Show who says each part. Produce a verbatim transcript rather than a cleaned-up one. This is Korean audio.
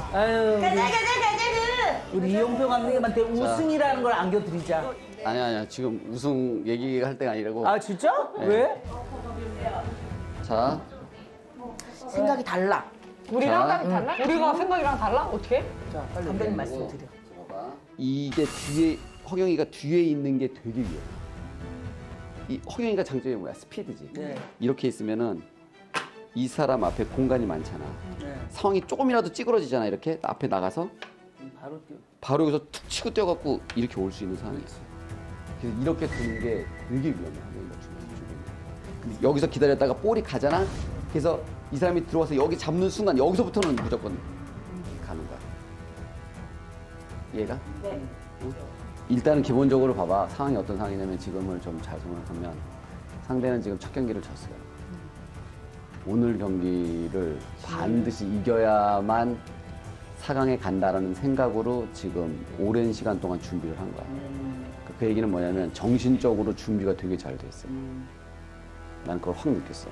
Speaker 1: 아유,
Speaker 2: 가자
Speaker 1: 우리,
Speaker 2: 가자 가자
Speaker 1: 우리 이용표 감독님한테 우승이라는 걸 안겨드리자.
Speaker 3: 아니 아니야 지금 우승 얘기할 때가 아니라고.
Speaker 1: 아 진짜?
Speaker 3: 네.
Speaker 1: 왜?
Speaker 3: 자,
Speaker 2: 그. 생각이 달라.
Speaker 4: 우리랑
Speaker 3: 자.
Speaker 4: 생각이 달라? 우리가 생각이랑 달라? 어떻게?
Speaker 1: 자, 빨리 감독님 말씀 드려.
Speaker 3: 이게 뒤에 허경이가 뒤에 있는 게 되게 위험해. 이 허경이가 장점이 뭐야? 스피드지.
Speaker 1: 네.
Speaker 3: 이렇게 있으면은 이 사람 앞에 공간이 많잖아.
Speaker 1: 네.
Speaker 3: 상황이 조금이라도 찌그러지잖아. 이렇게 앞에 나가서
Speaker 1: 바로 뛰어.
Speaker 3: 바로 여기서 툭 치고 뛰어갖고 이렇게 올 수 있는 상황이 있어. 그래서 이렇게 두는 게 되게 위험해. 허경이가 중요해. 근데 여기서 기다렸다가 볼이 가잖아. 그래서 이 사람이 들어와서 여기 잡는 순간 여기서부터는 무조건 가는 거야. 이해가?
Speaker 2: 네.
Speaker 3: 일단은 기본적으로 봐봐. 상황이 어떤 상황이냐면 지금을 좀 잘 생각하면 상대는 지금 첫 경기를 졌어요. 오늘 경기를 반드시 이겨야만 사 강에 간다라는 생각으로 지금 오랜 시간 동안 준비를 한 거야. 그 얘기는 뭐냐면 정신적으로 준비가 되게 잘 돼 있어요. 난 그걸 확 느꼈어.